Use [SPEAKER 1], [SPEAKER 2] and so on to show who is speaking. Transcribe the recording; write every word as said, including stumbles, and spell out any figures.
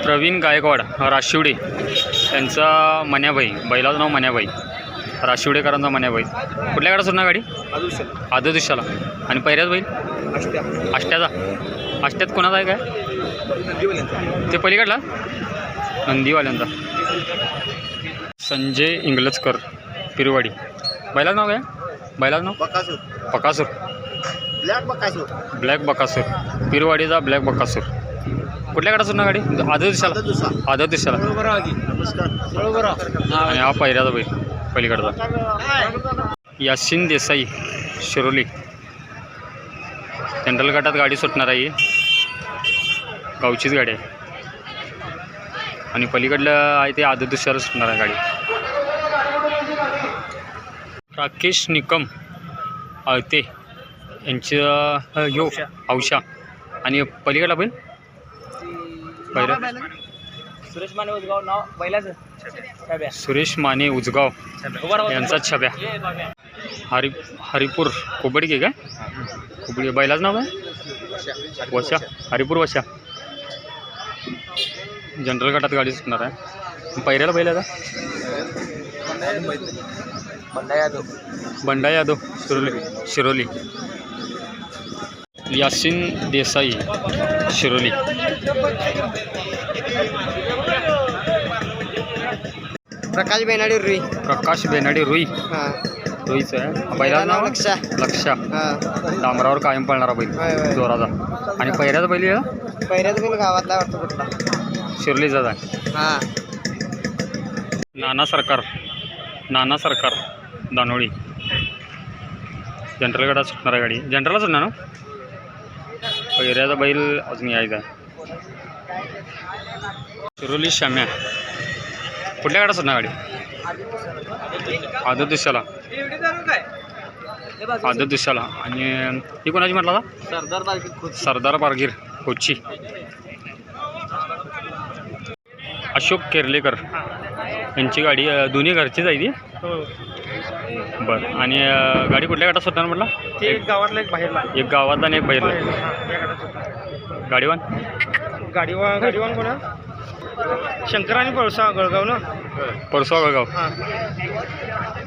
[SPEAKER 1] प्रवीण गायकवाड राशिवडे त्यांचा मन्याबाई, बैलाचं नाव मन्याबाई, राशिवडेकरांचा मन्याबाई. कुठल्या गाडा सुटणार गाडी? आदर दिवसाला. आणि पहिल्याच बैल आष्ट्याचा. आष्ट्यात कोणाचा आहे काय? ते पलीकडला नंदीवाल्यांचा. संजय इंगलजकर पिरवाडी. बैलाचं नाव काय? बैलाचं नाव
[SPEAKER 2] बकासूर.
[SPEAKER 1] बकासूर.
[SPEAKER 2] ब्लॅक बकासूर.
[SPEAKER 1] ब्लॅक बकासूर. पिरवाडीचा ब्लॅक बकासूर. कुठल्या गाडा सुटणार गाडी? आदर दिवसाला. आदर दिवसाला. आणि हा पहिल्याचा बैल पलीकडचा. यासिन देसाई शिरोली. जनरल गटात गाडी सुटणार आहे, गावचीच गाडी आहे. आणि पलीकडलं आहे ते आदर दिवसाला सुटणार आहे गाडी. राकेश निकम आळते यांचं यो औषा. आणि पलीकडला बैल पहिला
[SPEAKER 2] सुरेश माने उजगाव नाव बैलाचं.
[SPEAKER 1] सुरेश माने उजगाव यांचा छब्या. हरि हरिपूर कोबडगे काय? कोबडी. बैलाचं नाव काय? वशा. हरिपूर वशा. जनरल गटात गाडी सुटणार आहे. पहिल्याला बैल आहे
[SPEAKER 2] बंडा यादव.
[SPEAKER 1] बंडा यादव शिरोली. शिरोली. यासिन देसाई शिरोली.
[SPEAKER 2] प्रकाश बेनाडी रुई.
[SPEAKER 1] प्रकाश बेनाडी रुई.
[SPEAKER 2] हां
[SPEAKER 1] रुईचं आहे. बैलाचं नाव
[SPEAKER 2] लक्षा.
[SPEAKER 1] लक्षा.
[SPEAKER 2] हां
[SPEAKER 1] डांबरावर कायम पळणारा बैल जोराचा. आणि पहिल्याचा बैल आहे
[SPEAKER 2] पहिल्याच बैल गावातला वाटतं कुठला?
[SPEAKER 1] शिरोलीचाच आहे.
[SPEAKER 2] हां
[SPEAKER 1] नाना सरकार. नाना सरकार दानोळी. जनरल गटात सुटणार आहे गाडी. जनरलला सुटणार ना? पहिल्याचा बैल अजून यायचा आहे. शिरोली शाम्या. कुठल्या गाडा सुटणार गाडी? आदर दिवसाला. आदर दिवसाला. आणि ही कोणाची म्हटला होता?
[SPEAKER 2] सरदार बालकी.
[SPEAKER 1] सरदार बारगीर कोची. अशोक केर्लेकर यांची गाडी. दोन्ही घरचीच आहे ती. बरं. आणि गाडी कुठल्या गाठात सुटणार म्हटलं?
[SPEAKER 2] एक गावातला एक बाहेरला.
[SPEAKER 1] एक गावातला आणि एक बाहेरला. गाडीवान
[SPEAKER 2] गाडीवान गाडीवान कोणा? शंकर आणि पळसा गळगाव ना.
[SPEAKER 1] परसवा गळगाव.
[SPEAKER 2] हां